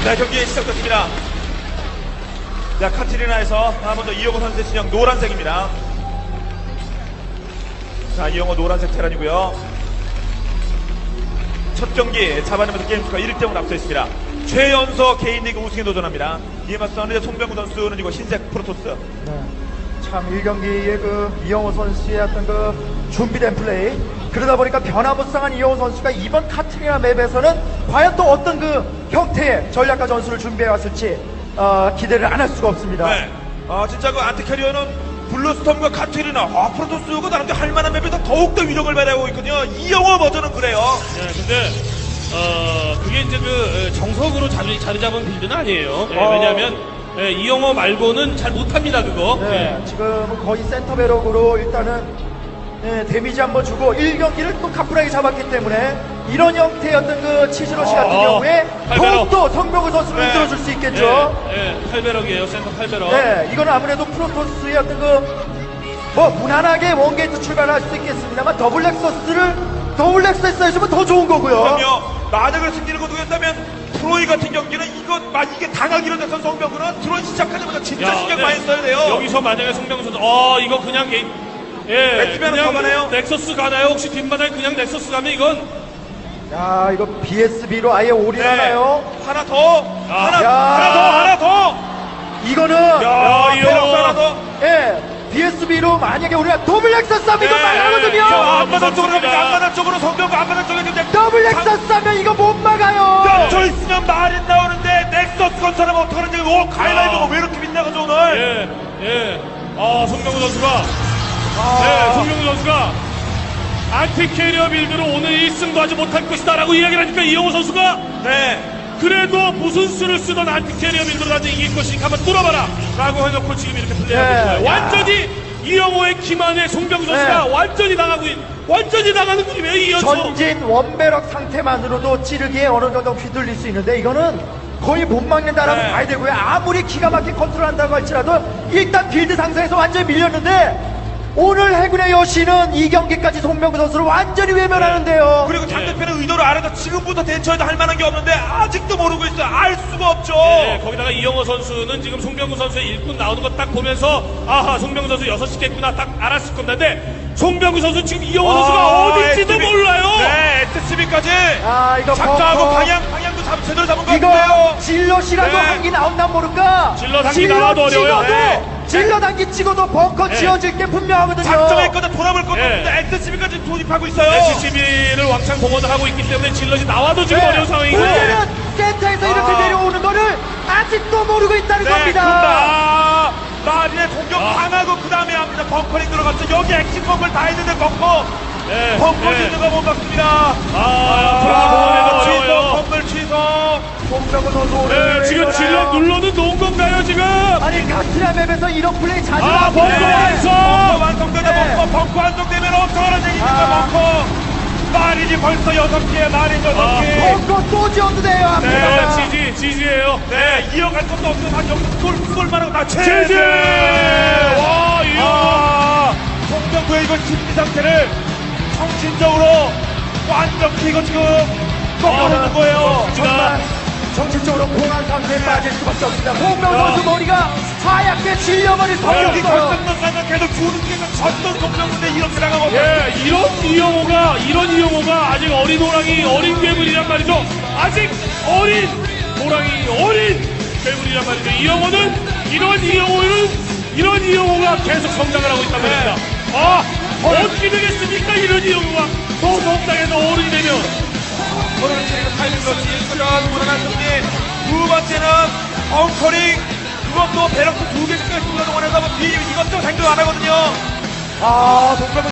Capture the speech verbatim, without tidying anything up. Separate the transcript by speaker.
Speaker 1: 네, 경기 시작됐습니다. 자, 카트리나에서 아, 먼저 이영호 선수의 진영 노란색입니다. 자, 이영호 노란색 테란이고요. 첫 경기 잡아내면서 게임수가 일 대 영으로 앞서 있습니다. 최연소 개인리그 우승에 도전합니다. 이에 맞서는 이제 송병구 선수는 이거 흰색 프로토스.
Speaker 2: 네. 참 일 경기에 그 이영호 선수의 어떤 그 준비된 플레이, 그러다 보니까 변화무쌍한 이영호 선수가 이번 카트리나 맵에서는 과연 또 어떤 그 형태의 전략과 전술을 준비해 왔을지 어, 기대를 안 할 수가 없습니다.
Speaker 1: 네. 아, 진짜 그 안티캐리어는 블루스톰과 카트리나, 아, 프로토스가 나름대로 할만한 맵에서 더욱더 위력을 발휘하고 있거든요. 이영호 버전은 그래요.
Speaker 3: 네, 근데 어 그게 이제 그 정석으로 자리, 자리 잡은 빌드는 아니에요. 예,
Speaker 2: 어.
Speaker 3: 왜냐하면 예, 이영호 말고는 잘 못합니다 그거.
Speaker 2: 네,
Speaker 3: 예.
Speaker 2: 지금은 거의 센터 배럭으로 일단은 네, 데미지 한번 주고 일 경기를 또 가뿐하게 잡았기 때문에 이런 형태의 어떤 그 치즈러시 같은
Speaker 3: 어,
Speaker 2: 경우에
Speaker 3: 팔 배럭.
Speaker 2: 더욱더 성병구 선수를
Speaker 1: 네.
Speaker 2: 흔들어줄 수 있겠죠.
Speaker 3: 예, 예, 팔 배럭이에요. 센터 팔 배럭.
Speaker 2: 네, 이건 아무래도 프로토스의 어떤 그, 뭐, 무난하게 원게이트 출발할 수 있겠습니다만, 더블 렉서스를, 더블 렉서스 해주면 더 좋은 거고요.
Speaker 1: 그럼요. 만약에 승리를 거두겠다면 프로이 같은 경기는 이거 막 이게 당하기로 돼서 송병구는 드론 시작하자마자 진짜 신경
Speaker 3: 네.
Speaker 1: 많이 써야 돼요.
Speaker 3: 여기서 만약에 송병구 선수, 어 이거 그냥 게, 예,
Speaker 1: 넥스면은 더 가나요?
Speaker 3: 넥서스 가나요? 혹시 뒷마당에 그냥 넥서스 가면 이건
Speaker 2: 야, 이거 비에스비로 아예 올인하나요?
Speaker 1: 하나 더,
Speaker 3: 아.
Speaker 1: 하나,
Speaker 2: 야.
Speaker 1: 하나 더, 하나 더.
Speaker 2: 이거는,
Speaker 1: 야,
Speaker 3: 이거.
Speaker 1: 페럭스 하나 더.
Speaker 2: 예, 비에스비로 만약에 우리가 더블 렉서스 하면 이거
Speaker 1: 네.
Speaker 2: 말하거든요.
Speaker 1: 자, 앞바닥 쪽으로
Speaker 3: 무섭습니다.
Speaker 1: 갑니다. 앞바닥 쪽으로 송병구 앞바닥 쪽에 근데
Speaker 2: 더블 렉서스 하면 이거 못 막아요.
Speaker 1: 저 있으면 말이 나오는데 넥서스 건설하면 어떡하는지. 오, 가이라이브가 왜 이렇게 빗나가죠 오늘?
Speaker 3: 예, 예. 아, 송병구 선수가,
Speaker 1: 아.
Speaker 3: 네, 송병구 선수가 안티캐리어 빌드로 오늘 일 승도 하지 못할 것이다라고 이야기를 하니까 이영호 선수가
Speaker 1: 네.
Speaker 3: 그래도 무슨 수를 쓰던 안티캐리어 빌드로 나중에 이길 것이니까 한번 뚫어봐라 라고 해놓고 지금 이렇게 플레이하고
Speaker 2: 네.
Speaker 3: 있어요.
Speaker 2: 야.
Speaker 3: 완전히 이영호의 기만에 송병구 선수가
Speaker 2: 네.
Speaker 3: 완전히 당하고 있, 완전히 당하는 그림이에요, 이 연속.
Speaker 2: 전진 원배럭 상태만으로도 찌르기에 어느 정도 휘둘릴 수 있는데 이거는 거의 못 막는다라고
Speaker 1: 네.
Speaker 2: 봐야 되고요. 아무리 기가 막히게 컨트롤한다고 할지라도 일단 빌드 상승에서 완전히 밀렸는데 오늘 해군의 여신은 이 경기까지 송병구 선수를 완전히 외면하는데요.
Speaker 1: 그리고 상대편의 의도를 알아서 지금부터 대처해도 할 만한 게 없는데 아직도 모르고 있어요. 알 수가 없죠.
Speaker 3: 네, 거기다가 이영호 선수는 지금 송병구 선수의 일꾼 나오는 거 딱 보면서 아하 송병구 선수 여섯 시겠구나 딱 알았을 건데 송병구 선수 지금 이영호 선수가 어딘지도
Speaker 1: 에스씨비.
Speaker 3: 몰라요.
Speaker 1: 네, 에스씨비까지
Speaker 2: 아 이거
Speaker 1: 작정하고
Speaker 2: 벙커.
Speaker 1: 방향 방향도 잡 제대로 잡은 것
Speaker 2: 이거
Speaker 1: 같은데요.
Speaker 2: 질럿이라도
Speaker 1: 네.
Speaker 2: 한기 나온단 모를까?
Speaker 3: 질럿 한기 나와도 어려워요.
Speaker 2: 찍어도,
Speaker 1: 네.
Speaker 2: 질럿 한기 찍어도 벙커
Speaker 3: 네.
Speaker 2: 지어질 게 분명하거든요.
Speaker 1: 작정했거든 돌아볼 것도
Speaker 3: 네.
Speaker 1: 없는데 에스씨비까지 돌입하고 있어요.
Speaker 3: 에스씨비를 왕창 공헌을 하고 있기 때문에 질럿이 나와도 지금
Speaker 2: 네.
Speaker 3: 어려운 상황이고.
Speaker 2: 문제는 센터에서 이렇게
Speaker 1: 아.
Speaker 2: 내려오는 거를 아직도 모르고 있다는
Speaker 1: 네,
Speaker 2: 겁니다.
Speaker 1: 아, 마린의 공격
Speaker 3: 아.
Speaker 1: 당하고 그 다음에 합니다. 벙커링 들어갔죠. 여기 액션 벙커를 다 했는데 벙커
Speaker 3: 네,
Speaker 1: 벙커
Speaker 3: 네.
Speaker 1: 짓는 거 못 봤습니다.
Speaker 3: 아, 들어가 공헌해도
Speaker 1: 취소,
Speaker 3: 어려워요.
Speaker 1: 건물 취소.
Speaker 2: 송병구 선수 오늘
Speaker 3: 네,
Speaker 2: 왜
Speaker 3: 지금
Speaker 2: 이러나요?
Speaker 3: 질럿 눌러도 놓은 건가요 지금?
Speaker 2: 아니 카트라 맵에서 이런 플레이 자주
Speaker 3: 아,
Speaker 2: 나오는데
Speaker 3: 벙커 완성!
Speaker 1: 벙커 완성되자
Speaker 2: 네.
Speaker 1: 벙커 벙커 완성되면 어떡하는 얘기입니까
Speaker 2: 아.
Speaker 1: 벙커. 마린이 벌써 여섯 개야 마린 여섯
Speaker 3: 아.
Speaker 1: 개.
Speaker 2: 벙커 또 지어도 돼요.
Speaker 3: 네,
Speaker 2: 앞에다가.
Speaker 3: 지지, 지지예요.
Speaker 1: 네, 이어갈 것도 없어. 다 여기서 쏠, 쏠만하고 다 채.
Speaker 3: 지지! 와, 이거.
Speaker 1: 아, 송병구의 이걸 심리 상태를 정신적으로 완전히 이거 지금 꺾어내는 거예요.
Speaker 2: 정말 정신적으로 공황 상태에 빠질 수밖에 없습니다. 송병구
Speaker 3: 야.
Speaker 2: 선수 머리가 하얗게 질려버릴
Speaker 1: 여기
Speaker 2: 성이 없어요.
Speaker 1: 결승전까지 계속 주는 게 졌던 송병구인데 이렇게 나가면
Speaker 3: 예, 이런 이영호가, 이런 이영호가 아직 어린 호랑이, 어린 괴물이란 말이죠. 아직 어린 호랑이, 어린 괴물이란 말이죠. 이영호는, 이런 이영호는, 이런 이영호가 계속 성장을 하고 있단 말입니다. 아, 어떻게 되겠습니까? 이런 이영호가 더 성장해서 어른이 되면.
Speaker 1: 오늘 트리거 타이밍 러시 일전 무난한 승리. 두 번째는 엉커링. 그것도 배럭도 두 개씩 동원해서 뭐 비, 이것도 생각 안 하거든요.
Speaker 2: 아, 송병구